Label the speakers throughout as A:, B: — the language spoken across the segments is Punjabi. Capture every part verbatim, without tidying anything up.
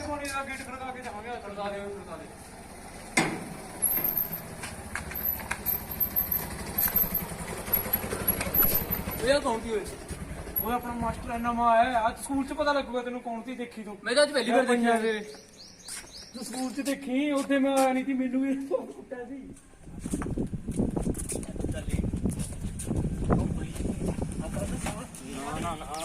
A: पानी का गेट खड़का के जाओगे खड़का दे खड़का दे भैया कौन थी वो अपना मास्टर है नवा है आज स्कूल च पता लगूगा तेन कौन थी देखी तू मैं तो आज पहली बार देखी है तू स्कूल च देखी उसे मैं आया नहीं थी मैनू भी कुत्ता सी ना ना ना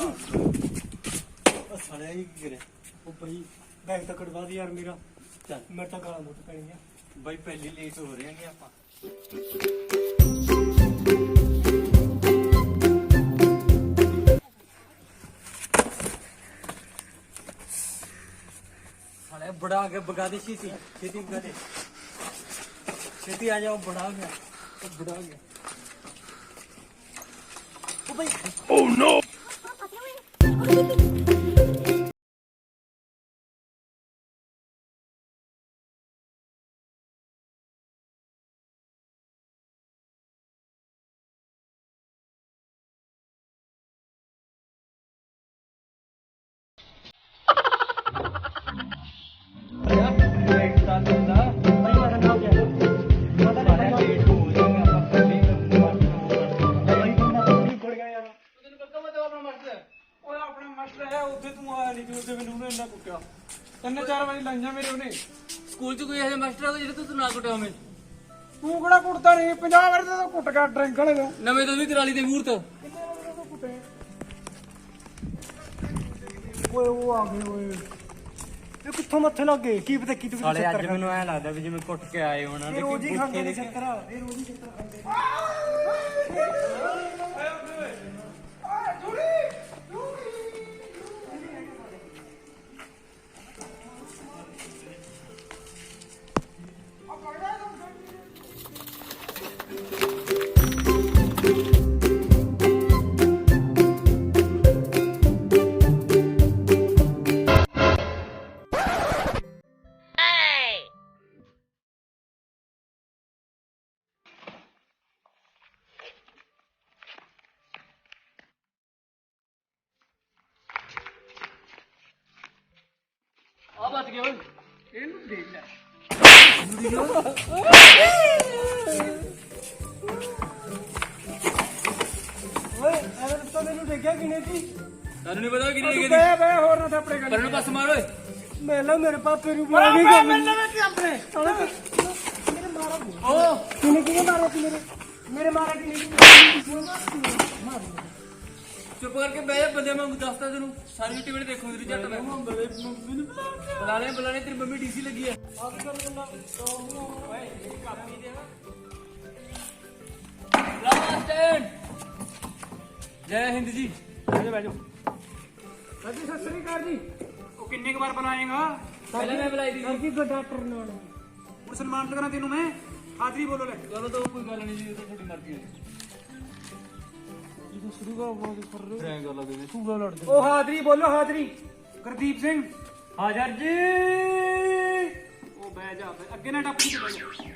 A: साले ही गिरे ओ भाई बैग तो कटवा दी यार मेरा चल मेरे तो गाल मुट पैनी है भाई पहली लेट हो रहे हैं ਆਪਾਂ साले बड़ा आ गया भगा दे छेती छेती भगा दे छेती आ जाओ बड़ा आ गया बड़ा आ गया ओ भाई ओह नो ਤਿੰਨ ਚਾਰ ਵਾਰੀ ਲਾਈਆਂ ਮੇਰੇ ਉਹਨੇ ਸਕੂਲ ਚ ਕੋਈ ਇਹੋ ਜਿਹਾ ਮਾਸਟਰ ਆ ਜਿਹੜਾ ਤੂੰ ਨਾ ਕੁੱਟਿਆ ਹੋਵੇਂ ਤੂੰ ਕਿਹੜਾ ਕੁੱਟਦਾ ਨਹੀਂ ਪੰਜਾਹ ਵਾਰੀ ਤਾਂ ਕੁੱਟ ਕੇ ਡਰਿੰਕ ਵਾਲੇ ਨੂੰ ਨਵੇਂ ਤੋਂ ਵੀ ਕਰਾਲੀ ਦੇ ਮੂਹਰਤ ਕਿੰਨੇ ਵਾਰੀ ਤਾਂ ਕੁੱਟੇ ਓਏ ਉਹ ਆ ਗਏ ਓਏ ਇਹ ਕਿੱਥੋਂ ਮੱਥੇ ਲੱਗ ਗਏ ਕੀ ਪਤਾ ਕੀ ਤੂੰ ਸਾਲੇ ਅੱਜ ਮੈਨੂੰ ਐ ਲੱਗਦਾ ਵੀ ਜਿਵੇਂ ਕੁੱਟ ਕੇ ਆਏ ਹੋਣਾ ਤੇ ਰੋਜ਼ ਹੀ ਖਾਂਦੇ ਨੇ ਚੱਕਰ ਇਹ ਰੋਜ਼ ਹੀ ਚੱਕਰ ਖਾਂਦੇ बच गया ਇਹਨੂੰ ਦੇਖ ਲੈ ਓਏ ਅਰੇ ਤਾਂ ਮੈਨੂੰ ਦੇਖਿਆ ਕਿਨੇ ਸੀ ਤੈਨੂੰ ਨਹੀਂ ਪਤਾ ਕਿਨੇ ਦੇਖੀ ਬੇ ਬੇ ਹੋਰ ਨਾ ਥਾਪੜੇ ਕਰ ਤੈਨੂੰ ਪਾਸ ਮਾਰ ਓਏ ਮੇਲਾ ਮੇਰੇ ਪਾਪੇ ਨੂੰ ਮਾਰ ਨਹੀਂ ਕਰ ਮੈਨੂੰ ਕੀ ਆਪਣੇ ਮੇਰੇ ਮਾਰਾ ਓ ਕਿਨੇ ਕਿਨੇ ਮਾਰਿਆ ਸੀ ਮੇਰੇ ਮੇਰੇ ਮਾਰਾ ਕਿਨੇ ਮਾਰ ਚੁੱਪ ਕਰਕੇ ਬਹਿ ਜਾ ਬੰਦੇ ਵਾਂਗੂ ਦੱਸਦਾ ਤੈਨੂੰ ਸਾਰੀ ਟਿਕਟ ਦੇਖੋ ਤੇਰੀ ਜੱਟ ਮੈਂ ਬੁਲਾ ਲੈ ਬੁਲਾ ਲੈ ਤੇਰੀ ਮੰਮੀ ਡੀਸੀ ਲੱਗੀ ਹੈ ਓਏ ਕਾਪੀ ਦੇ ਲਾਸਟ ਜੈ ਹਿੰਦ ਜੀ ਬਹਿ ਜਾ ਬਹਿ ਜਾ ਹਾਂਜੀ ਸਤਿ ਸ੍ਰੀ ਅਕਾਲ ਜੀ ਉਹ ਕਿੰਨੇ ਕੁ ਵਾਰ ਬਣਾਏਗਾ ਪਹਿਲਾਂ ਮੈਂ ਬੁਲਾਈ ਦੀ ਜੀ ਡਾਕਟਰ ਨਾਲ ਹੁਣ ਸਨਮਾਨਿਤ ਕਰਾਂ ਤੈਨੂੰ ਮੈਂ ਹਾਜ਼ਰੀ ਬੋਲੋ ਲੈ ਚਲੋ ਤਾਂ ਕੋਈ ਗੱਲ ਨਹੀਂ ਜੀ ਇਹ ਤਾਂ ਤੁਹਾਡੀ ਮਰਜ਼ੀ ਹੈ शुरू का बहुत कर रहे हैं गला दे तू गला लड़ दे ओ हाजरी बोलो हाजरी गुरदीप सिंह हाजर जी ओ बैठ जा अगे ना टप के बैठ जा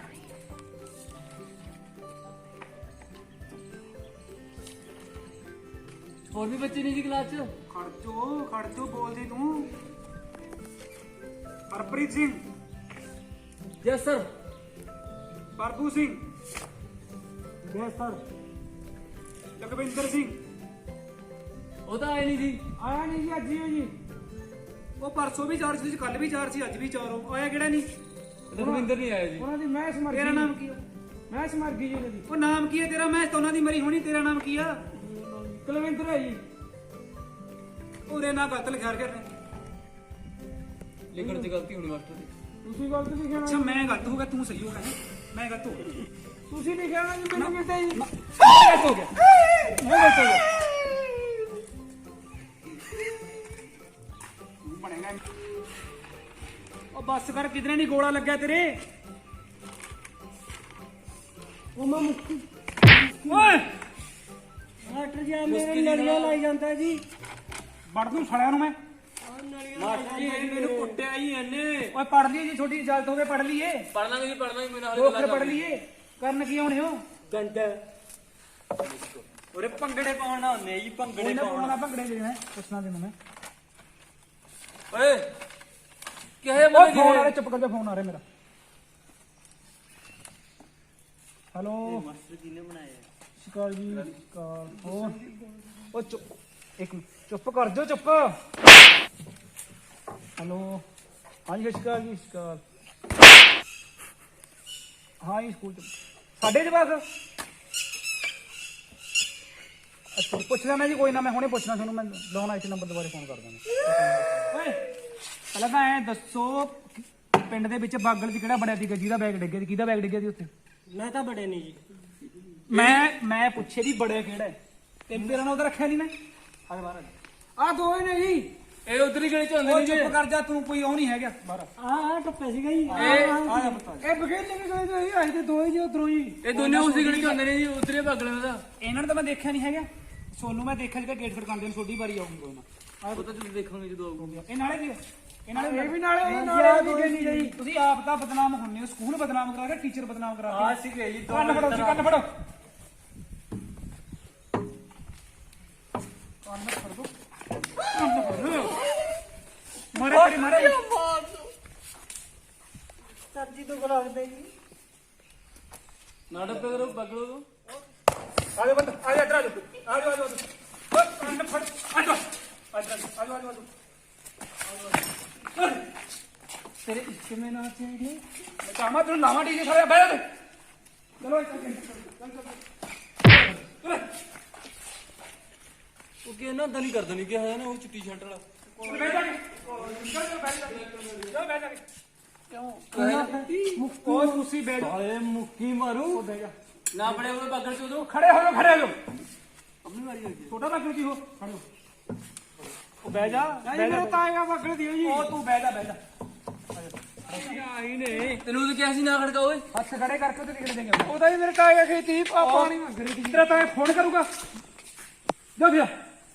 A: और भी बच्चे नहीं जी क्लास च खड़ जो खड़ जो बोल दे तू Harpreet Singh yes sir Prabhu Singh yes sir Lakhvinder Singh ਉਹ ਤਾਂ ਆਇਆ ਨਹੀਂ ਜੀ ਆਇਆ ਨਹੀਂ ਜੀ ਅੱਜ ਹੀ ਜੀ ਉਹ ਪਰਸੋਂ ਵੀ ਚਾਰ ਸੀ ਕੱਲ ਵੀ ਚਾਰ ਸੀ ਅੱਜ ਵੀ ਚਾਰ ਹੋ ਆਇਆ ਕਿਹੜਾ ਨਹੀਂ ਲਖਵਿੰਦਰ ਨਹੀਂ ਆਇਆ ਜੀ ਉਹਨਾਂ ਦੀ ਮੈਚ ਮਰ ਗਈ ਤੇਰਾ ਨਾਮ ਕੀ ਹੈ ਮੈਚ ਮਰ ਗਈ ਜੀ ਉਹਨਾਂ ਦੀ ਉਹ ਨਾਮ ਕੀ ਹੈ ਤੇਰਾ ਮੈਚ ਤਾਂ ਉਹਨਾਂ ਦੀ ਮਰੀ ਹੋਣੀ ਤੇਰਾ ਨਾਮ ਕੀ ਆ ਕੁਲਵਿੰਦਰ ਹੈ ਜੀ ਉਹਦੇ ਨਾਲ ਗਲਤ ਲਿਖਿਆ ਕਰ ਲਿਖਣ ਚ ਗਲਤੀ ਹੋਣੀ ਮਾਸਟਰ ਦੀ ਤੁਸੀਂ ਗਲਤ ਲਿਖਿਆ ਅੱਛਾ ਮੈਂ ਗਲਤ ਹੋ ਗਿਆ ਤੂੰ ਸਹੀ ਹੋ ਗਿਆ ਮੈਂ ਗਲਤ ਹੋ ਗਿਆ ਤੁਸੀਂ ਲਿਖਿਆ ਨਾ ਜੀ ਮੈਨੂੰ ਮਿਲਦਾ ਜੀ ਗਲਤ ਹੋ ਗਿਆ ਮੈਂ ਗਲਤ ਹੋ ਗਿਆ ਬਣੇਗਾ ਉਹ ਬੱਸ ਕਰ ਕਿਧਰੇ ਨਹੀਂ ਗੋਲਾ ਲੱਗਿਆ ਤੇਰੇ ਉਹ ਮੈਂ ਮੁੱਕੀ ਓਏ ਮਾਸਟਰ ਜੀ ਮੇਰੇ ਨਲੀਆਂ ਲਾਈ ਜਾਂਦਾ ਜੀ ਵੜ ਦੂੰ ਸੜਿਆਂ ਨੂੰ ਮੈਂ ਮਾਸਟਰ ਜੀ ਮੈਨੂੰ ਕੁੱਟਿਆ ਹੀ ਇਹਨੇ ਓਏ ਪੜ ਲਈ ਜੀ ਛੋਟੀ ਇਜਾਜ਼ਤ ਹੋਵੇ ਪੜ ਲਈਏ ਪੜ ਲਾਂਗੇ ਜੀ ਪੜ ਲਾਂਗੇ ਮੇਰੇ ਨਾਲ ਹੋਰ ਪੜ ਲਈਏ ਕਰਨ ਕੀ ਆਉਣੇ ਹੋ ਘੰਟਾ ਉਰੇ ਭੰਗੜੇ ਪਾਉਣ ਨਾ ਹੁੰਦੇ ਜੀ ਭੰਗੜੇ ਪਾਉਣ ਨਾ ਭੰਗੜੇ ਦੇ ਮੈਂ ਪੁੱਛਣਾ ਤੈਨੂੰ ਮੈਂ ਓਏ ਕਿਹੇ
B: ਓਏ ਫੋਨ ਆ ਰਿਹਾ, ਚੁੱਪ ਕਰ ਜਾ, ਫੋਨ ਆ ਰਿਹਾ ਮੇਰਾ। ਹੈਲੋ
C: ਮਾਸਟਰ ਕਿਹਨੇ ਬਣਾਇਆ?
B: ਸ਼ਿਕਾਰ ਜੀ ਸ਼ਿਕਾਰ ਹੋਰ ਉਹ ਚੁੱਪ ਇੱਕ ਮਿੰਟ, ਚੁੱਪ ਕਰ ਜਾ, ਚੁੱਪ। ਹੈਲੋ ਹਾਂਜੀ ਸ਼ਿਕਾਰ ਜੀ ਸ਼ਿਕਾਰ। ਹਾਂ ਜੀ ਸਕੂਲ ਚ ਸਾਡੇ ਜਵਾਕ ਅੱਛਾ ਪੁੱਛ ਲੈਣਾ ਜੀ, ਕੋਈ ਨਾ, ਮੈਂ ਹੁਣੇ ਪੁੱਛਣਾ ਤੁਹਾਨੂੰ, ਮੈਂ ਲਾਉਣਾ ਇਸ ਨੰਬਰ ਦੁਬਾਰੇ ਫੋਨ ਕਰ ਦਾਂਗਾ। ਓਏ ਪਹਿਲਾਂ ਤਾਂ ਐਂ ਦੱਸੋ ਪਿੰਡ ਦੇ ਵਿੱਚ ਬਾਗਲ ਚ ਕਿਹੜਾ ਬੜਿਆ ਸੀਗਾ ਜਿਹਦਾ ਬੈਗ ਡਿੱਗਿਆ ਸੀ? ਕਿਹਦਾ ਬੈਗ ਡਿੱਗਿਆ ਸੀ ਉੱਥੇ?
C: ਮੈਂ ਤਾਂ ਬੜੇ ਨਹੀਂ ਜੀ।
B: ਮੈਂ ਮੈਂ ਪੁੱਛੇ ਵੀ ਬੜਿਆ ਕਿਹੜਾ ਹੈ ਤੇ ਤੇਰਾ ਨਾਮ ਉਹਦਾ ਰੱਖਿਆ ਨਹੀਂ ਮੈਂ। ਆ ਬਾਹਰ ਆ ਦੋਏ ਨੇ ਜੀ,
A: ਇਹ ਉਧਰੀ ਗਲੀ ਚ ਹੁੰਦੇ
B: ਉਹ
A: ਨੇ ਜੀ।
B: ਚੁੱਪ ਕਰ ਜਾ ਤੂੰ, ਕੋਈ ਉਹ ਨਹੀਂ ਹੈਗਾ ਬਾਹਰ।
C: ਆਹ ਆਹ ਟੱਪੇ ਸੀਗਾ ਜੀ।
A: ਇਹ
B: ਆ ਜਾ ਪੁੱਤ, ਇਹ ਬਗੇਰ ਲੈ ਕੇ ਗਏ ਤੇ ਅਸੀਂ ਤੇ ਦੋਏ ਜੀ ਉਧਰੋਂ ਹੀ।
A: ਇਹ ਦੋਨੇ ਉਸੇ ਗਲੀ ਚ ਹੁੰਦੇ ਨੇ ਜੀ, ਉਧਰੇ ਭਗਲੇ ਦਾ।
B: ਇਹਨਾਂ ਨੂੰ ਤਾਂ ਮੈਂ ਦੇਖਿਆ ਨਹੀਂ ਹੈਗਾ, ਸੋਨੂੰ ਮੈਂ ਦੇਖਿਆ ਜਿਹੜਾ ਗੇਟ ਖੜਕਾਉਂਦੇ ਨੇ, ਛੋਟੀ ਵਾਰੀ ਆਉਂਗੀ ਕੋਈ ਨਾ।
A: ਉਹ ਤਾਂ ਤੁਸੀਂ ਦੇਖੋਗੇ ਜਦੋਂ ਆਊਗਾ।
B: ਇਹ ਨਾਲੇ ਕੀ ਇਹ ਨਾਲੇ ਇਹ ਵੀ ਨਾਲੇ ਇਹ ਨਾਲੇ ਵੀ ਨਹੀਂ ਗਈ। ਤੁਸੀਂ ਆਪ ਤਾਂ ਬਦਨਾਮ ਹੁੰਨੇ ਹੋ, ਸਕੂਲ ਬਦਨਾਮ ਕਰਾ ਕੇ, ਟੀਚਰ ਬਦਨਾਮ ਕਰਾ ਕੇ।
A: ਆ ਸੀਗੇ ਜੀ
B: ਕੰਨ ਫੜੋ ਜੀ, ਕੰਨ ਫੜੋ, ਕੰਨ ਫੜ ਦੋ, ਕੰਨ ਫੜ ਦੋ। ਮਾਰੇ ਤੇਰੀ ਮਾਰੇ
C: ਸਬਜ਼ੀ ਤੋਂ ਬੁਲਾਉਂਦੇ ਜੀ।
A: ਨਾਟਕ ਕਰੋ ਬਗਲੋ ਤੋਂ।
B: ਆ ਜਾ ਬੰਦ, ਆ ਜਾ ਇੱਧਰ ਆ ਜਾ, ਆ ਜਾ ਆ ਜਾ ਓਏ ਕੰਨ ਫੜ, ਆ ਜਾ ਆ ਜਾ ਆ ਜਾ ਆ ਜਾ ਤੇਰੇ ਕਿਵੇਂ ਨਾ ਚਾਹੀਦੀ ਮੈਂ ਕਾਮਾ ਤੈਨੂੰ ਲਾਵਾਂ ਡੀਜੇ ਸਾਰੇ ਬੈਠ ਜਾ। ਚਲੋ ਇੱਥੇ ਚੱਲ ਚੱਲ
A: ਉਹ ਕਿ ਇਹਨਾਂ ਦਾ ਨਹੀਂ ਕਰਦਾ ਨਹੀਂ ਕਿ ਹੈ ਨਾ ਉਹ ਚਿੱਟੀ ਸ਼ਰਟ ਵਾਲਾ।
B: ਬੈਠ ਜਾ ਚੱਲ ਚੱਲ ਬੈਠ ਜਾ, ਚੱਲ ਬੈਠ ਜਾ। ਕਿਉਂ ਉਹ ਤੁਸੀਂ ਬੈਠ ਜਾ,
A: ਸਾਲੇ ਮੁੱਕੀ ਮਾਰੂ।
B: ਬੈਠ ਜਾ।
A: ਨਾ ਬੜੇ ਉਹ ਬਗਲ ਚ ਉਦੋਂ
B: ਖੜੇ ਹੋ ਜਾਓ, ਖੜੇ ਹੋ ਜਾਓ,
A: ਆਪਣੀ ਵਾਰੀ ਹੋਈ ਜੀ।
B: ਛੋਟਾ ਲੱਗੂ ਕੀ ਹੋ, ਖੜੇ ਹੋ। ਉਹ ਬਹਿ ਜਾ,
C: ਨਹੀਂ ਮੇਰਾ ਤਾਇਆ ਵਗੜ ਦਿਓ ਜੀ।
B: ਉਹ ਤੂੰ ਬਹਿ ਜਾ, ਬਹਿ ਜਾ।
A: ਆਈ ਨੇ ਤੈਨੂੰ ਤਾਂ ਕਿਹਾ ਸੀ ਨਾ ਖੜਕਾ ਓਏ।
B: ਹੱਥ ਖੜੇ ਕਰਕੇ ਤੇ ਨਿਕਲ ਦੇਂਗੇ।
C: ਉਹਦਾ ਹੀ ਮੇਰੇ ਤਾਇਆ ਖੇਤੀ ਪਾਣੀ ਮੰਗ ਰਹੀ ਸੀ।
B: ਤੇਰਾ ਤਾਂ ਇਹ ਫੋਨ ਕਰੂਗਾ, ਜਾ ਫਿਰ।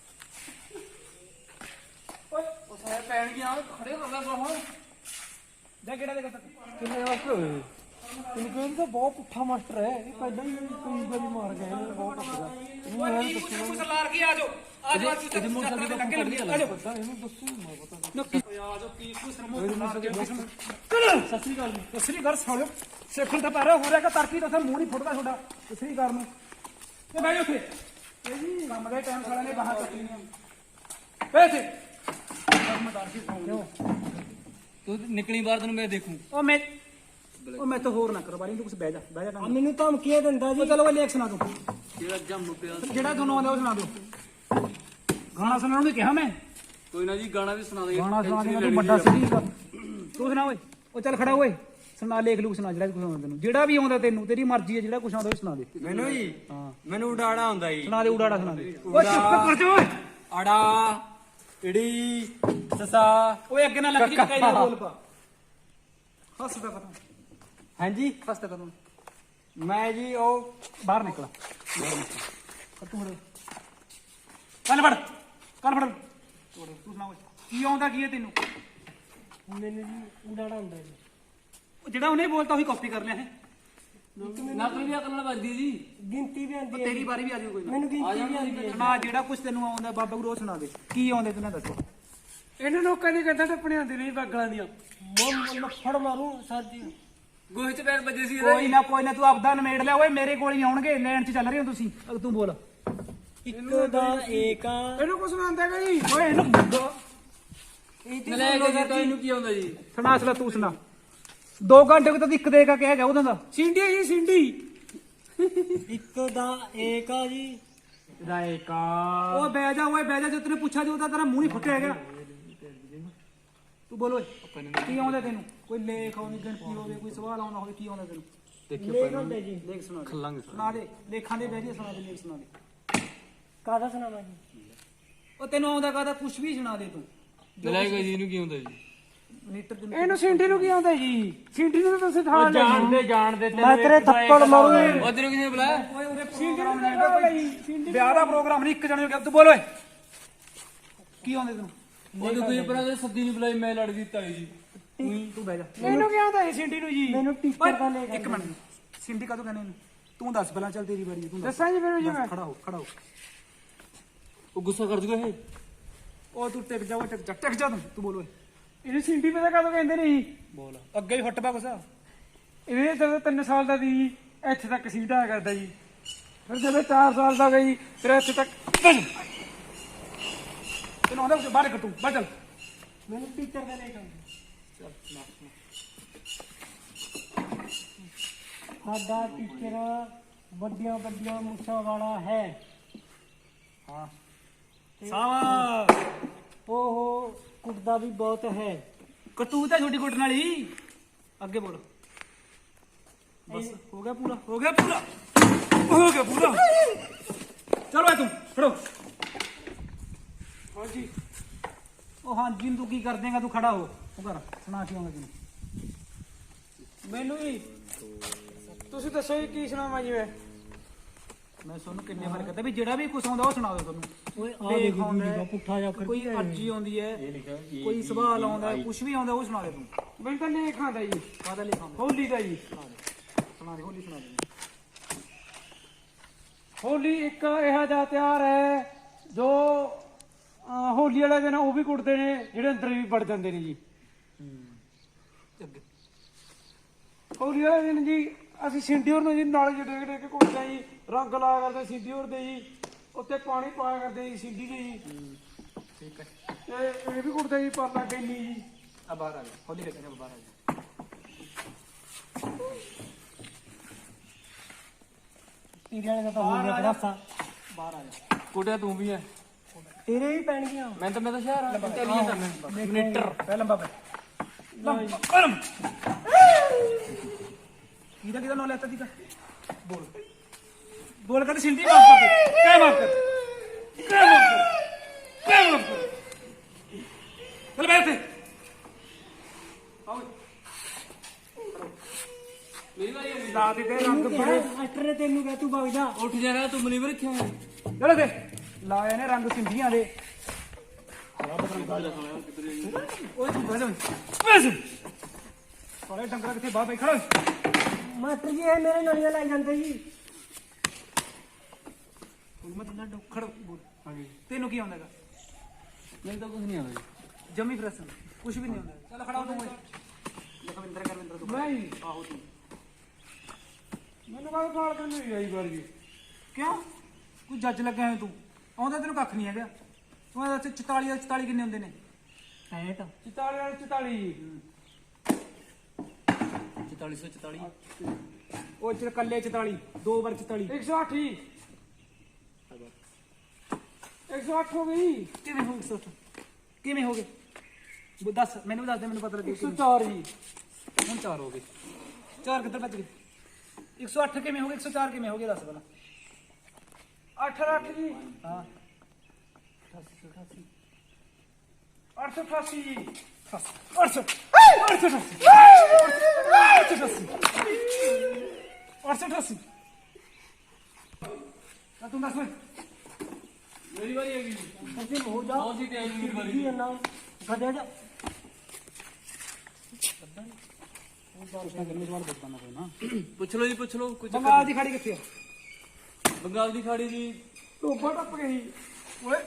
B: ਓਏ
A: ਉਹ ਸਾਰੇ ਪੈਣ ਗਿਆ ਖੜੇ ਹੋ ਗਿਆ ਬਾਹਰ।
B: ਜਾ ਕਿਹੜਾ ਦੇ ਕਰ
C: ਕਿੰਨੇ ਵਾਸਤੇ ਹੋਏ? ਤੈਨੂੰ ਕਹਿੰਦਾ ਤਾਂ ਬਹੁਤ ਪੁੱਠਾ ਮਾਸਟਰ ਹੈ। ਇਹ ਪਹਿਲਾਂ ਹੀ ਕਈ ਵਾਰੀ ਮਾਰ ਗਏ ਇਹਨੂੰ, ਬਹੁਤ ਪੁੱਠਾ।
B: ਓਏ ਕੀ ਕੁਛ ਕੁਛ ਲਾਰ ਕੇ ਆ ਜਾਓ, ਆ ਜਾਓ, ਅੱਜ ਤੱਕ
A: ਮੋਟਰਸਾਈਕਲ ਦਾ
B: ਲੱਗੇ ਲੱਗੇ ਆ ਜਾਓ।
C: ਪਤਾ ਇਹਨੂੰ ਦੱਸੋ ਮੈਂ ਪਤਾ
B: ਨੱਕੀ ਆ ਜਾਓ, ਕੀ ਕੁਛ ਰਮੋ ਚਲ ਸਤਿ ਸ੍ਰੀ ਅਕਾਲ ਜੀ। ਸਤਿ ਸ੍ਰੀ ਅਕਾਲ ਸਾਲਿਓ, ਸਿੱਖਣ ਤਾਂ ਪੈਰਾ ਹੋ ਰਿਹਾ ਕਿ ਤਰਕੀ ਤਾਂ ਮੂੰਹ ਨਹੀਂ ਫੁੱਟਦਾ ਤੁਹਾਡਾ। ਸਤਿ ਸ੍ਰੀ ਅਕਾਲ ਨੂੰ ਤੇ ਬਹਿ ਜਾ ਉੱਥੇ। ਇਹ ਜੀ ਕੰਮ ਦੇ ਟਾਈਮ ਸਾਲਿਆਂ ਨੇ ਬਾਹਰ ਚੱਕਣੀ ਹੈ। ਬਹਿ ਇੱਥੇ ਕਰਮਦਾਰ ਸੀ ਕਿਉਂ
A: ਤੂੰ ਨਿਕਲੀ ਬਾਹਰ ਤੈਨੂੰ ਮੈਂ ਦੇਖੂ।
B: ਉਹ ਮੈਂ ਉਹ ਮੈਂ ਤਾਂ ਹੋਰ ਨਾ ਕਰੋ ਬਾਰੀ, ਤੂੰ ਕੁਛ ਬਹਿ ਜਾ, ਬਹਿ ਜਾ।
C: ਆ ਮੈਨੂੰ ਧਮਕੀਆਂ ਦਿੰਦਾ ਜੀ।
B: ਉਹ ਚਲੋ ਉਹ ਲੇਖ ਸੁਣਾ ਦੋ,
A: ਜਿਹੜਾ ਜੰਮ ਪਿਆ।
B: ਜਿਹੜਾ ਤੁਹਾਨੂੰ ਆਉਂਦਾ ਉਹ ਸੁਣਾ ਦਿਓ। ਗਾਣਾ ਸੁਣਾਉਣ ਨੂੰ ਕਿਹਾ ਮੈਂ।
A: ਕੋਈ ਨਾ ਜੀ ਗਾਣਾ ਵੀ ਸੁਣਾ ਦੇ।
B: ਗਾਣਾ ਸੁਣਾ ਦੇ, ਤੂੰ ਵੱਡਾ ਸਿੱਧੀ ਤੂੰ ਸੁਣਾ ਓਏ। ਉਹ ਚੱਲ ਖੜਾ ਓਏ, ਸੁਣਾ ਲੇਖ ਲੂਕ ਸੁਣਾ ਜਿਹੜਾ ਵੀ ਕੁਛ ਆਉਂਦਾ ਤੈਨੂੰ, ਜਿਹੜਾ ਵੀ ਆਉਂਦਾ ਤੈਨੂੰ, ਤੇਰੀ ਮਰਜ਼ੀ ਹੈ, ਜਿਹੜਾ ਕੁਛ ਆਉਂਦਾ ਉਹ ਸੁਣਾ ਦੇ।
C: ਮੈਨੂੰ ਜੀ
B: ਹਾਂ
C: ਮੈਨੂੰ ਉਡਾੜਾ ਆਉਂਦਾ ਜੀ।
B: ਸੁਣਾ ਦੇ, ਉਡਾੜਾ ਸੁਣਾ ਦੇ। ਓਏ ਚੁੱਪ ਕਰ ਜਾ ਓਏ।
C: ਅੜਾ ਇੜੀ ਸਸਾ।
B: ਓਏ ਅੱਗੇ ਨਾ ਲੱਗ ਜੀ, ਕਾਈ ਦਾ ਬੋਲ ਪਾ। ਹੱਸਦਾ ਖਤਮ,
C: ਹਾਂਜੀ
B: ਹੱਸਦਾ ਖਤਮ।
C: ਮੈਂ ਜੀ ਉਹ
B: ਬਾਹਰ ਨਿਕਲਾ, ਬਾਹਰ ਨਿਕਲ ਤੂੰ ਫੜ ਕੰਨ ਫੜ, ਕੰਨ ਫੜ ਤੂੰ ਸੁਣਾ ਓਏ, ਕੀ ਆਉਂਦਾ ਕੀ ਹੈ ਤੈਨੂੰ?
C: ਮੈਨੂੰ ਜੀ ਉਡਾੜਾ ਆਉਂਦਾ ਜੀ।
B: ਉਹ ਜਿਹੜਾ ਉਹਨੇ ਬੋਲਤਾ ਉਹੀ ਕਾਪੀ ਕਰ ਲਿਆ ਹੈ।
A: ਨਾ ਕੋਈ ਵੀ ਅਕਲ ਨਾਲ ਵੱਜਦੀ ਜੀ।
C: ਗਿਣਤੀ ਵੀ
B: ਉਹ
C: ਆਉਂਦੀ ਹੈ।
B: ਤੇਰੀ ਵਾਰੀ ਵੀ ਆ ਜਾਊ ਕੋਈ ਨਾ।
C: ਮੈਨੂੰ ਗਿਣਤੀ ਵੀ ਆਉਂਦੀ ਹੈ।
B: ਸੁਣਾ ਜਿਹੜਾ ਕੁਛ ਤੈਨੂੰ ਆਉਂਦਾ ਬਾਬਾ ਗੁਰੂ ਉਹ ਸੁਣਾ ਦੇ, ਕੀ ਆਉਂਦੇ ਤੈਨੂੰ ਦੱਸੋ।
C: ਇਹਨਾਂ ਲੋਕਾਂ ਦੀ ਗੱਦਾਂ ਟੱਪਣੇ ਆਉਂਦੀ ਨਹੀਂ ਬਾਗਲਾਂ ਦੀਆਂ। ਮੈਂ ਫੜ ਮਾਰੂ ਸਰ ਜੀ।
A: ਗੋਹੇ ਚ ਪੈਰ ਵੱਜੇ ਸੀ ਇਹਦਾ।
B: ਕੋਈ ਨਾ ਕੋਈ ਨਾ, ਤੂੰ ਆਪਦਾ ਨਿਮੇੜ ਲਿਆ ਓਏ, ਮੇਰੇ ਕੋਲ ਹੀ ਆਉਣਗੇ, ਲੈਣ ਚ ਚੱਲ ਰਹੇ ਹੋ ਤੁਸੀਂ। ਅਗ ਤੂੰ ਬੋਲ।
C: ਇੱਕ ਦਾ ਏਕਾ। ਇਹਨੂੰ ਕੁਝ ਸੁਣਾਉਂਦਾ ਹੈ ਜੀ।
B: ਓਏ ਇਹਨੂੰ
A: ਨਲਾਇਕ ਜੀ ਤਾਂ ਇਹਨੂੰ ਕੀ ਆਉਂਦਾ ਜੀ?
B: ਸੁਣਾ ਸੁਣਾ ਤੂੰ ਸੁਣਾ। ਦੋ ਘੰਟੇ ਕੋ ਤਾਂ ਇੱਕ ਦੇ ਕਾ ਕਹਿ ਗਿਆ ਉਹਦਾ ਦਾ।
C: ਸਿੰਡੀ ਜੀ ਸਿੰਡੀ। ਇੱਕ ਦਾ ਏਕਾ ਜੀ।
B: ਰਾਏਕਾ ਓਏ ਬਹਿ ਜਾ, ਓਏ ਬਹਿ ਜਾ, ਜੇ ਤੈਨੂੰ ਪੁੱਛਿਆ ਜੋ ਤਾਂ ਤੇਰਾ ਮੂੰਹ ਨਹੀਂ ਫੁੱਟਿਆ ਹੈਗਾ। ਤੂੰ ਬੋਲ ਓਏ, ਕੀ ਆਉਂਦਾ ਤੈਨੂੰ? ਕੋਈ ਲੇਖ ਆਉਂਦੀ, ਗਿਣਤੀ ਹੋਵੇ, ਕੋਈ ਸਵਾਲ ਆਉਂਦਾ ਹੋਵੇ, ਕੀ ਆਉਂਦਾ ਤੈਨੂੰ?
C: ਲੇਖ ਹੁੰਦਾ ਜੀ।
B: ਲੇਖ ਸੁਣਾ ਦੇ, ਸੁਣਾ ਦੇ, ਲੇਖਾਂ ਦੇ ਬਹਿ ਜਾ, ਸੁਣਾ ਦੇ, ਲੇਖ ਸੁਣਾ ਦੇ।
C: ਕਾਹਦਾ ਸੁਣਾਵਾਂ ਜੀ?
B: ਉਹ ਤੈਨੂੰ ਆਉਂਦਾ ਕਾਹਦਾ, ਕੁਛ ਵੀ ਸੁਣਾ ਦੇ ਤੂੰ।
A: ਨਲਾਇਕ ਜੀ ਇਹਨੂੰ ਕੀ ਆਉਂਦਾ ਜੀ?
B: ਨੀਟਰ ਦੇ
C: ਇਹਨੂੰ ਸਿੰਡੀ ਨੂੰ ਕੀ ਆਉਂਦਾ ਜੀ? ਸਿੰਡੀ ਨੂੰ ਤਾਂ ਤੁਸੀਂ ਠਾਲ ਲਿਆ।
A: ਜਾਣਦੇ ਜਾਣਦੇ
C: ਮੈਂ ਤੇਰੇ ਥੱਪੜ ਮਾਰੂ।
A: ਉਹ ਤੈਨੂੰ ਕਿਸੇ ਨੇ ਬੁਲਾਇਆ?
B: ਓਏ ਉਹਦੇ ਪ੍ਰੋਗਰਾਮ ਨਹੀਂ ਹੈਗਾ ਕੋਈ, ਵਿਆਹ ਦਾ ਪ੍ਰੋਗਰਾਮ ਨਹੀਂ, ਇੱਕ ਜਣੇ ਹੋ ਗਿਆ। ਤੂੰ ਬੋਲ ਓਏ, ਕੀ ਆਉਂਦੇ ਤੈਨੂੰ?
A: ਉਹ ਦੇਖੋ ਇਹ ਪਰਾਂ ਦੇ ਸੱਦੀ ਨਹੀਂ ਬੁਲਾਈ, ਮੈਂ ਲੜ ਗਈ ਤਾਈ ਜੀ।
B: ਤੂੰ ਬਹਿ ਜਾ।
C: ਇਹਨੂੰ ਕੀ ਆਉਂਦਾ ਹੈ ਸਿੰਡੀ ਨੂੰ ਜੀ? ਮੈਨੂੰ ਟੀਚਰ ਦਾ ਲੈ
B: ਇੱਕ ਮਿੰਟ, ਸਿੰਡੀ ਕਾਹਤੋਂ ਕਹਿੰਦੇ ਇਹਨੂੰ? ਤੂੰ ਦੱਸ ਪਹਿਲਾਂ, ਚੱਲ ਤੇਰੀ ਵਾਰੀ ਹੈ, ਤੂੰ ਦੱਸ।
C: ਦੱਸਾਂ ਜੀ ਫਿਰ ਜੀ ਮੈਂ।
B: ਖੜਾ ਹੋ, ਖੜਾ ਹੋ।
A: ਉਹ ਗੁੱਸਾ ਕਰ ਜੂਗਾ ਇਹ।
B: ਉਹ ਤੂੰ ਟਿਕ ਜਾ, ਓਏ ਟਿਕ ਜਾ, ਟਿਕ ਜਾ ਤੂੰ। ਤੂੰ ਬੋਲ ਓਏ। ਇਹਦੀ ਸਿੰਡੀ ਪਤਾ ਕਦੋਂ ਕਹਿੰਦੇ ਨਹੀਂ
C: ਬੋਲ
B: ਅੱਗੇ ਹੀ ਫੁੱਟ ਪਾ ਕੁਛ ਇਹਦੇ ਜਦੋਂ ਤਿੰਨ ਸਾਲ ਦਾ ਸੀ ਇੱਥੇ ਤੱਕ ਸੀਧਾ ਕਰਦਾ ਜੀ ਫਿਰ ਜਦੋਂ ਚਾਰ ਸਾਲ ਦਾ ਗਈ ਫਿਰ ਇੱਥੇ ਤੱਕ ਤੈਨੂੰ ਆਉਂਦਾ ਬਾਹਰ ਕੱਟੂ ਬਾਹਰ ਚੱਲ
C: ਮੈਨੂੰ ਟੀਚਰ ਦਾ ਲੈ ਕੇ ਸਾਡਾ ਟੀਚਰ ਵੱਡੀਆਂ ਵੱਡੀਆਂ ਮੁੱਛਾਂ ਵਾਲਾ ਹੈ
B: ਹਾਂ ਸਾਵਾ
C: ਉਹ ਕੁੱਟਦਾ ਵੀ ਬਹੁਤ ਹੈ
B: ਕਟੂ ਤਾਂ ਛੋਟੀ ਕੁੱਟਣ ਵਾਲੀ ਅੱਗੇ ਬੋਲ ਬਸ ਹੋ ਗਿਆ ਪੂਰਾ ਹੋ ਗਿਆ ਪੂਰਾ ਹੋ ਗਿਆ ਪੂਰਾ ਚਲੋ ਆ ਤੂੰ ਫੜੋ ਹਾਂਜੀ ਉਹ ਹਾਂਜੀ ਨੂੰ ਤੂੰ ਕੀ ਕਰ ਦੇਂਗਾ ਤੂੰ ਖੜਾ ਹੋ ਉਹ ਕਰ ਸੁਣਾ ਕੀ ਆਉਂਦਾ ਤੈਨੂੰ
C: ਮੈਨੂੰ ਵੀ ਤੁਸੀਂ ਦੱਸੋ ਜੀ ਕੀ ਸੁਣਾਵਾਂ ਜੀ ਮੈਂ
B: ਮੈਂ ਤੁਹਾਨੂੰ ਕਿੰਨੇ ਵਾਰ ਕਹਤਾ ਵੀ ਜਿਹੜਾ ਵੀ ਕੁਛ ਆਉਂਦਾ ਉਹ ਸੁਣਾ ਦਿਓ ਤੁਹਾਨੂੰ
C: ਓਏ ਆ
B: ਦੇਖ
C: ਦੇਖੋ
B: ਆਉਂਦਾ ਹੈ,
C: ਪੁੱਠਾ ਜਾ
B: ਕੋਈ ਅਰਜੀ ਆਉਂਦੀ ਹੈ ਕੋਈ ਸਵਾਲ ਆਉਂਦਾ ਕੁਛ ਵੀ ਆਉਂਦਾ ਉਹ ਸੁਣਾ ਦੇ ਤੂੰ
C: ਮੈਨੂੰ ਤਾਂ ਲੇਖ ਆਉਂਦਾ ਜੀ
B: ਕਾਹਦਾ ਲਿਖਾਉਂਦਾ
C: ਹੋਲੀ ਦਾ ਜੀ
B: ਸੁਣਾ ਦੇ ਹੋਲੀ ਸੁਣਾ ਦੇ
C: ਹੋਲੀ ਇੱਕ ਇਹੋ ਜਿਹਾ ਤਿਉਹਾਰ ਹੈ ਜੋ ਅਹ, ਹੋਲੀ ਵਾਲੇ ਦਿਨ ਉਹ ਵੀ ਕੁੱਟਦੇ ਨੇ ਜਿਹੜੇ ਅੰਦਰ ਵੀ ਵੜ ਜਾਂਦੇ ਨੇ ਜੀ
B: ਅੱਗੇ
C: ਹੋਲੀ ਵਾਲੇ ਦਿਨ ਜੀ ਅਸੀਂ ਸਿੰਡੀਓਰ ਨੂੰ ਜੀ ਨਾਲ ਜਿਹੜੇ ਜਿਹੜੇ ਕੇ ਕੁੱਟਦੇ ਜੀ ਰੰਗ ਲਾਇਆ ਕਰਦੇ ਸਿੰਡੀਓਰ ਦੇ ਜੀ ਉੱਤੇ ਪਾਣੀ ਪਾਇਆ ਕਰਦੇ ਜੀ ਸਿੰਡੀ ਦੇ ਜੀ
B: ਠੀਕ ਹੈ
C: ਤੇ ਇਹ ਵੀ ਕੁੱਟਦੇ ਜੀ ਪਰਲਾ ਗੈਲੀ ਜੀ
B: ਆ ਬਾਹਰ ਆ ਜਾ ਹੋਲੀ ਦੇ ਕਹਿੰਦੇ ਬਾਹਰ ਆ ਜਾ
C: ਤੇਰੇ ਵਾਲੇ ਦਾ ਤਾਂ ਹੋ ਗਿਆ ਬੜਾਸਾ
B: ਬਾਹਰ ਆ ਜਾ ਕੁੱਟਿਆ ਤੂੰ ਵੀ ਹੈ
C: ਤੇਰੇ ਵੀ ਪੈਣਗੀਆਂ
B: ਮੈਂ ਤਾਂ ਮੈਂ ਤਾਂ ਸ਼ਹਿਰ ਆ ਤੇਰੀਆਂ ਤਾਂ ਮੈਂ ਮੀਟਰ ਪਹਿਲਾਂ ਲੰਬਾ ਪੈ ਲੰਬਾ ਕਿਹਦਾ ਕਿਹਦਾ ਨਾਂ ਲੈਤਾ ਦੀਗਾ ਬੋਲ ਬੋਲ ਕਰ ਸਿੰਧੀ ਮਾਫ ਕਰ ਦੇ ਕਹਿ ਮਾਫ ਕਰ ਕਹਿ ਮਾਫ ਕਰ ਕਹਿ ਮਾਫ ਕਰ ਚਲ ਬੈਠ ਤੇ ਆਓ ਮੇਰੀ ਵਾਰੀ ਹੈ ਲਾ ਦੇ ਰੰਗ ਬੜੇ
C: ਮਾਸਟਰ ਨੇ ਤੈਨੂੰ ਕਹਿ ਤੂੰ ਵਗ ਜਾ
B: ਉੱਠ ਜਾਣਾ ਤੂੰ ਮਨੀ ਵੀ ਰੱਖਿਆ ਚਲੋ ਦੇ ਲਾਏ ਨੇ ਰੰਗ ਸਿੰਧੀਆਂ ਦੇ ਓਏ ਤੂੰ ਬੈਠ ਬੈਠ ਸਾਰੇ ਡੰਗਰਾ ਕਿੱਥੇ ਬਾਹਰ ਬੈ ਖੜੋ
C: ਮਾਸਟਰ ਜੀ ਇਹ ਮੇਰੇ ਨਲੀਆਂ ਲਾਈ ਜਾਂਦੇ ਜੀ
B: ਮੈਂ ਤਾਂ ਡੋਖੜ ਬੋਲ ਹਾਂਜੀ ਤੈਨੂੰ ਕੀ ਆਉਂਦਾਗਾ
A: ਮੈਨੂੰ ਤਾਂ ਕੁਝ ਨਹੀਂ ਆਉਂਦਾ
B: ਜਮੀ ਪ੍ਰਸ਼ਨ ਕੁਝ ਵੀ ਨਹੀਂ ਆਉਂਦਾ ਚੱਲ ਖੜਾ ਹੋ ਤੂੰ ਲਖਵਿੰਦਰ ਕਰਵਿੰਦਰ ਤੂੰ
C: ਨਹੀਂ
B: ਆਹੋ ਤੂੰ
C: ਮੈਨੂੰ ਕਾਹਦਾ ਕਾਲ ਕਰਨੀ ਹੋਈ ਆਈ ਵਾਰ ਜੀ
B: ਕਿਉਂ ਕੋਈ ਜੱਜ ਲੱਗਾ ਹੈ ਤੂੰ ਆਉਂਦਾ ਤੈਨੂੰ ਕੱਖ ਨਹੀਂ ਹੈਗਾ ਤੂੰ ਦੱਸ ਚੁਤਾਲੀ ਦਾ ਚੁਤਾਲੀ ਕਿੰਨੇ ਹੁੰਦੇ ਨੇ
C: ਸੈਂਟ ਚਤਾਲੀ ਵਾਲੇ ਚਤਾਲੀ ਜੀ
A: ਚੁਤਾਲੀ ਸੌ ਚੁਤਾਲੀ
B: ਉਹ ਚ ਕੱਲੇ ਚੁਤਾਲੀ ਦੋ ਵਾਰ ਚੁਤਾਲੀ
C: ਇੱਕ ਸੌ ਅੱਠ ਜੀ ਇੱਕ ਸੌ ਅੱਠ ਹੋ ਗਈ
B: ਕਿਵੇਂ ਹੋ ਗਏ ਕਿਵੇਂ ਹੋ ਗਏ ਬੋ ਦੱਸ ਮੈਨੂੰ ਵੀ ਦੱਸ ਦੇ ਮੈਨੂੰ ਪਤਾ ਲੱਗੇ
C: ਇੱਕ ਸੌ ਚਾਰ ਜੀ
B: ਹੁਣ ਚਾਰ ਹੋ ਗਏ ਚਾਰ ਕਿੱਧਰ ਭੱਜ ਗਏ ਇੱਕ ਸੌ ਅੱਠ ਕਿਵੇਂ ਹੋ ਗਏ ਇੱਕ ਸੌ ਚਾਰ ਕਿਵੇਂ ਹੋ ਗਏ ਦੱਸ ਪਹਿਲਾਂ
C: ਅੱਠ ਅੱਠ ਜੀ
B: ਹਾਂ
C: ਅੱਠ ਸੌ ਅਠਾਸੀ ਜੀ
B: ਅੱਠ ਸੌ ਅੱਠ ਸੌ ਅੱਠ ਸੌ ਅੱਠ ਸੌ ਅਠਾਸੀ ਤਾਂ ਤੂੰ ਦੱਸ ਓਏ
A: ਮੇਰੀ ਵਾਰੀ ਹੈਗੀ
C: ਤੁਸੀਂ ਹੋ ਜਾ
A: ਬਹੁਤ ਜੀ ਤੇ ਆਈ ਮੇਰੀ ਵਾਰੀ
C: ਜੀ ਨਾ ਗੱਡਿਆ ਜਾ
A: ਪੁੱਛ ਲਓ ਜੀ ਪੁੱਛ ਲਓ ਕੁਝ
B: ਬੰਗਾਲ ਦੀ ਖਾੜੀ ਕਿੱਥੇ ਆ
A: ਬੰਗਾਲ ਦੀ ਖਾੜੀ ਜੀ
C: ਟੋਪਾ ਟੱਪ ਗਈ
B: ਓਏ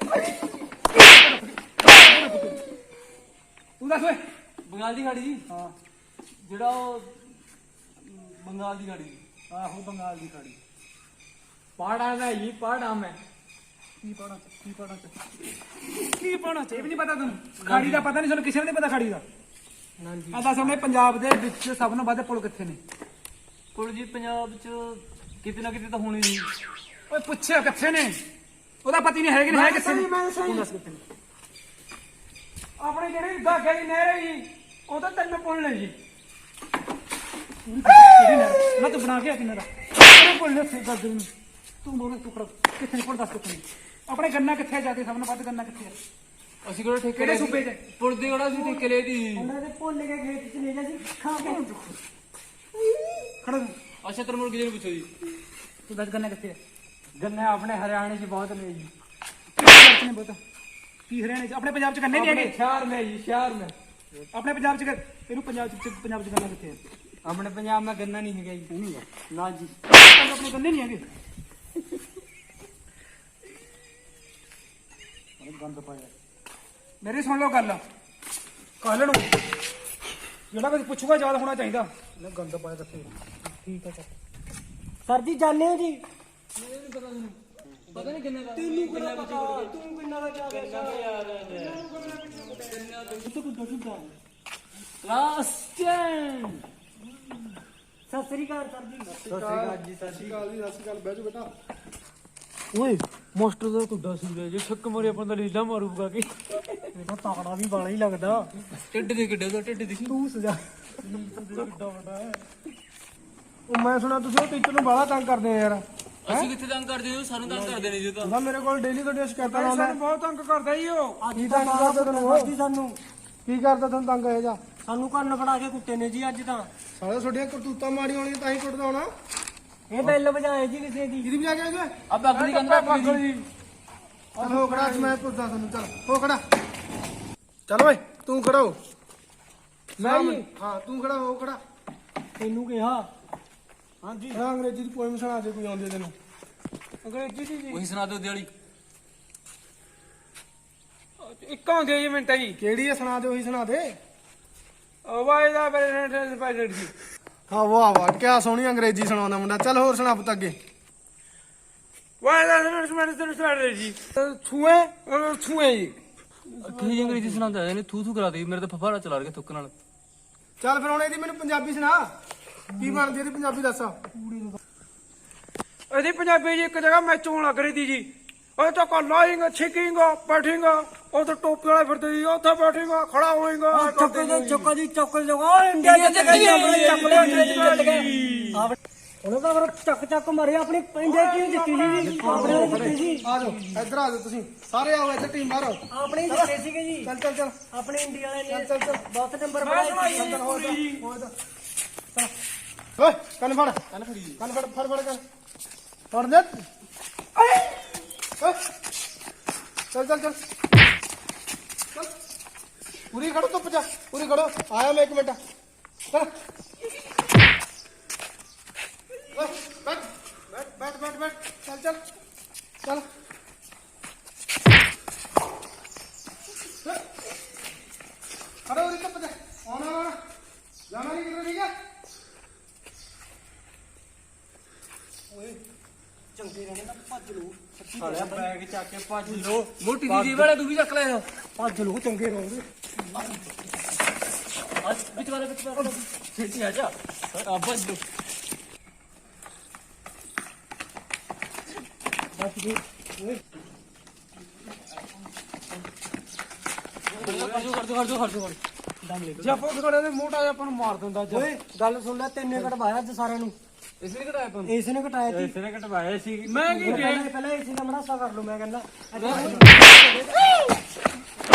B: ਤੂੰ ਦੱਸ ਓਏ
A: ਬੰਗਾਲ ਦੀ ਖਾੜੀ ਜੀ
B: ਹਾਂ
A: ਜਿਹੜਾ ਉਹ ਬੰਗਾਲ ਦੀ ਖਾੜੀ ਜੀ
B: ਆਹੋ ਬੰਗਾਲ ਦੀ ਖਾੜੀ
A: ਪਹਾੜਾਂ ਦਾ ਜੀ ਪਹਾੜਾਂ ਮੈਂ
B: ਕੀ ਪਾਣਾ ਕੀ ਪਾਣਾ ਕੀ ਪਾਣਾ ਇਹ ਵੀ ਨਹੀਂ ਪਤਾ ਤੈਨੂੰ ਖਾੜੀ ਦਾ ਪਤਾ ਨਹੀਂ ਸਾਨੂੰ ਕਿਸੇ ਨੂੰ ਨਹੀਂ ਪਤਾ ਖਾੜੀ ਦਾ
C: ਹਾਂਜੀ
B: ਆ ਦੱਸ ਆਪਣੇ ਪੰਜਾਬ ਦੇ ਵਿੱਚ ਸਭ ਨੂੰ ਵੱਧ ਪੁਲ ਕਿੱਥੇ ਨੇ
A: ਕੋਲ ਜੀ ਪੰਜਾਬ ਚ ਕਿਤੇ ਨਾ ਕਿਤੇ ਤਾਂ ਹੋਣੀ ਜੀ
B: ਓਏ ਪੁੱਛਿਆ ਕਿੱਥੇ ਨੇ ਉਹਦਾ ਪਤੀ ਨਹੀਂ ਹੈਗੇ ਨਹੀਂ ਹੈ ਕਿੱਥੇ ਨੇ
C: ਮੈਂ ਸਹੀ
B: ਤੂੰ ਦੱਸ ਕਿੱਥੇ ਨੇ
C: ਆਪਣੇ ਜਿਹੜੇ ਦਾਗੇ ਦੀ ਨਹਿਰ ਹੈ ਜੀ ਉਹ ਤਾਂ ਤਿੰਨ ਪੁੱਲ ਨੇ ਜੀ
B: ਕਿਹੜੀ ਨਹਿਰ ਮੈਂ ਤੂੰ ਬਣਾ ਕੇ ਆ ਕਿੰਨਾ ਦਾ ਕਿਹੜੇ ਪੁੱਲ ਨੇ ਉੱਥੇ ਦੱਸ ਨੂੰ ਤੂੰ ਬੋਲ ਤੂੰ ਖੜਾ ਕਿੱਥੇ ਨੇ ਪੁੱਲ ਦੱਸ ਕਿੱਥੇ ਨੇ ਆਪਣੇ ਗੰਨਾ ਕਿੱਥੇ ਜਾ ਕੇ ਸਭ ਨੂੰ ਵੱਧ ਗੰਨਾ ਕਿੱਥੇ ਆ
A: ਅਸੀਂ ਕਿਹੜਾ ਠੇਕੇ
B: ਕਿਹੜੇ
A: ਲਏ ਸੀ?
B: ਸੂਬੇ 'ਚ?
A: ਪੁਲ ਦੇ ਕਿਹੜਾ ਸੀ ਠੇਕੇ ਲਏ ਦੀ
C: ਉਹਨਾਂ ਦੇ ਭੁੱਲ ਕੇ ਖੇਤ ਚ ਲੈ ਜਾ ਸੀ ਖਾ ਕੇ
B: ਖੜਾ ਤੂੰ
A: ਅੱਛਾ ਤਰਮੁਰ ਕਿਹਦੇ ਨੂੰ ਪੁੱਛੋ ਜੀ
B: ਤੂੰ ਦੱਸ ਗੰਨਾ ਕਿੱਥੇ ਆ
C: ਗੰਨੇ ਆਪਣੇ ਹਰਿਆਣੇ ਚ ਬਹੁਤ ਨੇ ਜੀ
B: ਪੰਜਾਬ 'ਚ ਨੇ ਬਹੁਤ ਕੀ ਹਰਿਆਣੇ 'ਚ ਆਪਣੇ ਪੰਜਾਬ 'ਚ ਗੰਨੇ ਨਹੀਂ ਹੈਗੇ
C: ਸ਼ਹਿਰ में जी शहर में
B: ਆਪਣੇ ਪੰਜਾਬ 'ਚ ਗ- ਇਹਨੂੰ ਪੰਜਾਬ 'ਚ ਪੰਜਾਬ 'ਚ ਗੰਨਾ ਕਿੱਥੇ ਆ
C: अपने पंजाब में गन्ना नहीं है जी
B: ਨਹੀਂ ਆ
C: ना जी
B: ਆਪਣੇ ਗੰਨੇ ਨਹੀਂ ਹੈਗੇ ਗੰਦ ਪਾਇਆ ਮੇਰੀ ਸੁਣ ਲਓ ਗੱਲ ਕੱਲ ਨੂੰ ਜਿਹੜਾ ਕੁਝ ਪੁੱਛੂਗਾ ਯਾਦ ਹੋਣਾ ਚਾਹੀਦਾ ਨਾ ਗੰਦ ਪਾਇਆ ਦੱਸੇ
C: ਠੀਕ ਹੈ ਸਰ ਸਰ ਜੀ ਜਾਣੇ ਹੋ ਜੀ
A: ਪਤਾ ਨਹੀਂ ਕਿੰਨੇ ਦਾ
C: ਤੈਨੂੰ ਕਿਹੜਾ ਪਤਾ ਤੂੰ ਕਿੰਨਾ ਦਾ ਜਾ ਰਿਹਾ ਤੂੰ ਕੁੱਦਾ ਕੁੱਦਾ
A: ਲਾਸਟ ਟਾਈਮ
C: ਸਤਿ ਸ੍ਰੀ ਅਕਾਲ ਸਰ ਜੀ
B: ਸਤਿ ਸ਼੍ਰੀ ਅਕਾਲ ਜੀ ਸਤਿ ਸ਼੍ਰੀ ਅਕਾਲ ਜੀ ਸਤਿ ਸ਼੍ਰੀ ਅਕਾਲ ਬਹਿ ਜਾਓ ਬੇਟਾ
A: ਓਏ ਮਾਸਟਰ ਦਾ ਕੁੱਡਾ ਸੂਰਿਆ ਜੇ ਛੱਕ ਮਾਰੇ ਆਪਾਂ ਦਾ ਲੀਲਾ ਮਾਰੂਗਾ ਕਿ
C: ਇਹਦਾ ਤਾਕੜਾ ਵੀ ਬਾਲਾ ਹੀ ਲੱਗਦਾ
A: ਢਿੱਡ ਦੇ ਕਿੱਡੇ ਦਾ ਢਿੱਡ ਦੇਖੀ
C: ਤੂੰ ਸਜਾ
B: ਕਿੱਡਾ ਵੱਡਾ ਹੈ ਉਹ ਮੈਂ ਸੁਣਿਆ ਤੁਸੀਂ ਉਹ ਟੀਚਰ ਨੂੰ ਬਾਹਲਾ ਤੰਗ ਕਰਦੇ ਆ ਯਾਰ
A: ਅਸੀਂ ਕਿੱਥੇ ਤੰਗ ਕਰਦੇ ਹੋ ਸਾਨੂੰ ਤੰਗ ਕਰਦੇ ਨੇ ਜੀ ਤਾਂ
B: ਉਹਦਾ ਮੇਰੇ ਕੋਲ ਡੇਲੀ ਤੁਹਾਡੀਆਂ ਸ਼ਿਕਾਇਤਾਂ ਲਾਉਂਦਾ
C: ਸਾਨੂੰ ਬਹੁਤ ਤੰਗ ਕਰਦਾ ਜੀ ਉਹ
B: ਕੀ ਤੰਗ ਕਰਦਾ ਤੈਨੂੰ ਉਹ?
C: ਜੀ ਸਾਨੂੰ
B: ਕੀ ਕਰਦਾ ਤੁਹਾਨੂੰ ਤੰਗ ਇਹ ਜਾ
C: ਸਾਨੂੰ ਕੰਨ ਫੜਾ ਕੇ ਕੁੱਤੇ ਨੇ ਜੀ ਅੱਜ ਤਾਂ
B: ਸਾਲੇ ਤੁਹਾਡੀਆਂ ਕਰਤੂਤਾਂ ਮਾੜੀਆਂ ਹੋਣੀਆਂ ਤਾਂ ਹੀ ਕੁੱਟਦਾ ਹੋਣਾ
C: ਇਹ ਬੈਲ ਵਜਾਏ ਜੀ ਕਿਸੇ ਦੀ
B: ਕਿਹਦੀ ਵਜਾ ਕੇ ਆਏ
A: ਅਬ ਅਗਲੀ ਕੰਦਾ
B: ਜੀ ਚੱਲ ਹੋ ਖੜਾ ਅੱਜ ਮੈਂ ਪੁੱਛਦਾ ਤੁਹਾਨੂੰ ਚੱਲ ਹੋ ਖੜਾ ਚੱਲ ਓਏ ਤੂੰ ਖੜਾ ਹੋ
C: ਮੈਂ ਜੀ
B: ਹਾਂ ਤੂੰ ਖੜਾ ਹੋ ਖੜਾ
C: ਤੈਨੂੰ ਕਿਹਾ ਹਾਂਜੀ
B: ਹਾਂ ਅੰਗਰੇਜ਼ੀ ਦੀ ਪੋਇਮ ਸੁਣਾ ਦੇ ਕੋਈ ਆਉਂਦੀ ਤੈਨੂੰ
C: ਅੰਗਰੇਜ਼ੀ ਦੀ ਜੀ
A: ਉਹੀ ਸੁਣਾ ਦਿਓ ਦਿਹਾੜੀ
C: ਇੱਕ ਆਉਂਦੀ ਜੀ ਮਿੰਟਾਂ ਜੀ
B: ਕਿਹੜੀ ਹੈ ਸੁਣਾ ਦੇ ਉਹੀ ਸੁਣਾ ਦੇ
C: ਵਾਈ ਦਾ ਪ੍ਰੈਜ਼ੀਡੈਂਟ ਪ੍ਰੈਜ਼ੀਡੈਂਟ ਜੀ
B: ਹਾਂ ਵਾਹ ਵਾਹ ਕਿਆ ਸੋਹਣੀ ਅੰਗਰੇਜ਼ੀ ਸੁਣਾਉਂਦਾ ਮੁੰਡਾ ਚੱਲ ਹੋਰ ਸੁਣਾ ਪੁੱਤ ਅੱਗੇ
C: ਵਾਈ ਦਾ ਪ੍ਰੈਜ਼ੀਡੈਂਟ ਜੀ ਛੂਏ ਛੂਏ ਜੀ
A: ਕੀ ਅੰਗਰੇਜ਼ੀ ਸੁਣਾਉਂਦਾ ਇਹਨੇ ਥੂ ਥੂ ਕਰਾ ਦੇ ਮੇਰੇ ਤਾਂ ਫਫਾੜਾ ਚਲਾ ਰਿਹਾ ਥੁੱਕ ਨਾਲ
B: ਚੱਲ ਫਿਰ ਹੁਣ ਇਹਦੀ ਮੈਨੂੰ ਪੰਜਾਬੀ ਸੁਣਾ ਕੀ ਬਣਦੀ ਇਹਦੀ ਪੰਜਾਬੀ ਦੱਸ
C: ਇਹਦੀ ਪੰਜਾਬੀ ਜੀ ਇੱਕ ਜਗ੍ਹਾ ਮੈਚ ਹੋਣ ਲੱਗ ਰਹੀ ਸੀ ਜੀ ਉਹ ਤਾਂ ਕੋ ਲਾਇੰਗਾ ਛਿਕਿੰਗਾ ਬੈਠੇਗਾ ਉਹ ਤਾਂ ਟੋਪੀ ਵਾਲੇ ਫਿਰਦੇ ਜੀ ਉੱਥੇ ਬੈਠੇਗਾ ਖੜਾ ਹੋਏਗਾ ਚੱਕੋ ਜੀ ਚੱਕੋ ਜੀ ਚੱਕੋ ਜੀ ਓ ਇੰਡੀਆ ਦੇ ਚੱਕੋ ਆਪਣੇ ਚੱਕੋ ਜੀ ਉਹਨਾਂ ਦਾ ਫਿਰ ਚੱਕ ਚੱਕ ਮਾਰੇ ਆਪਣੀ ਇੰਡੀਆ ਕਿਉਂ ਜਿੱਤੀ ਜੀ ਆਪਣੇ ਜਿੱਤੀ ਜੀ
B: ਆ ਜਾਓ ਇੱਧਰ ਆ ਜਾਓ ਤੁਸੀਂ ਸਾਰੇ ਆਓ ਇੱਧਰ ਟੀਮ ਬਾਹਰ ਆਓ
C: ਆਪਣੇ ਜਿੱਤੇ ਸੀਗੇ ਜੀ
B: ਚੱਲ ਚੱਲ ਚੱਲ
C: ਆਪਣੇ ਇੰਡੀਆ ਵਾਲੇ ਨੇ
B: ਚੱਲ ਚੱਲ
C: ਬਹੁਤ ਨੰਬਰ ਬਣਾਏ
B: ਚੱਲ ਹੋ ਜਾ ਹੋ ਜਾ ਓਏ ਕੰਨ ਫੜ ਕੰਨ ਫੜੀ ਕੰਨ ਫੜ ਫੜ ਫੜ ਕੰਨ ਫੜ ਦੇ ਓਏ ਚੱਲ ਚੱਲ ਚੱਲ ਚੱਲ ਪੂਰੀ ਖੜੋ ਧੁੱਪ ਜਾ ਪੂਰੀ ਖੜੋ ਆਇਆ ਮੈਂ ਇੱਕ ਮਿੰਟ ਚੱਲ ਓਏ ਬੈਠ ਬੈਠ ਬੈਠ ਬੈਠ ਬੈਠ ਚੱਲ ਚੱਲ ਚੱਲ ਖੜੋ ਉਰੀ ਧੁੱਪ ਜਾ ਆਉਣਾ ਆਉਣਾ ਜਾਣਾ ਨਹੀਂ ਕਿਧਰ ਠੀਕ ਹੈ
C: ਚੰਗੇ ਰਹਿਣੇ ਤਾਂ ਭੱਜ ਲੋ
A: ਸਾਲਿਆ ਬੈਗ ਚੱਕ ਕੇ ਭੱਜ ਲੋ ਮੋਟੀ ਦੀਦੀ ਵਾਲਾ ਤੂੰ ਵੀ ਚੱਕ ਲੈ
C: ਭੱਜ ਲੋ ਚੰਗੇ ਰਹੋਗੇ
A: ਅੱਜ ਵਿੱਚ ਵਾਲੇ ਵਿੱਚ ਵਾਲੇ ਛੇਤੀ ਆ ਜਾ ਆ ਭੱਜ ਲੋ
C: ਬਸ ਜੀ
A: ਕਰ ਦੋ ਕਰ ਦੋ ਕਰ ਦੋ ਕਰ ਦੋ
C: ਜੇ ਆਪਾਂ ਖੜੇ ਨੇ ਮੋਟਾ ਜਿਹਾ ਆਪਾਂ ਨੂੰ ਮਾਰ ਦਿੰਦਾ ਅੱਜ ਓਏ ਗੱਲ ਸੁਣ ਲੈ ਤੈਨੇ ਕਟਵਾਇਆ ਅੱਜ ਸਾਰਿਆਂ ਨੂੰ
A: ਇਸ ਨੇ ਘਟਾਇਆ ਪੰਜ
C: ਇਸ ਨੇ ਘਟਾਇਆ ਸੀ
A: ਇਸ ਨੇ ਘਟਵਾਇਆ ਸੀ
C: ਮੈਂ ਕੀ ਪਹਿਲਾਂ ਪਹਿਲਾਂ ਇਸ ਦਾ ਮੜਾਸਾ ਕਰ ਲੂ ਮੈਂ ਕਹਿੰਦਾ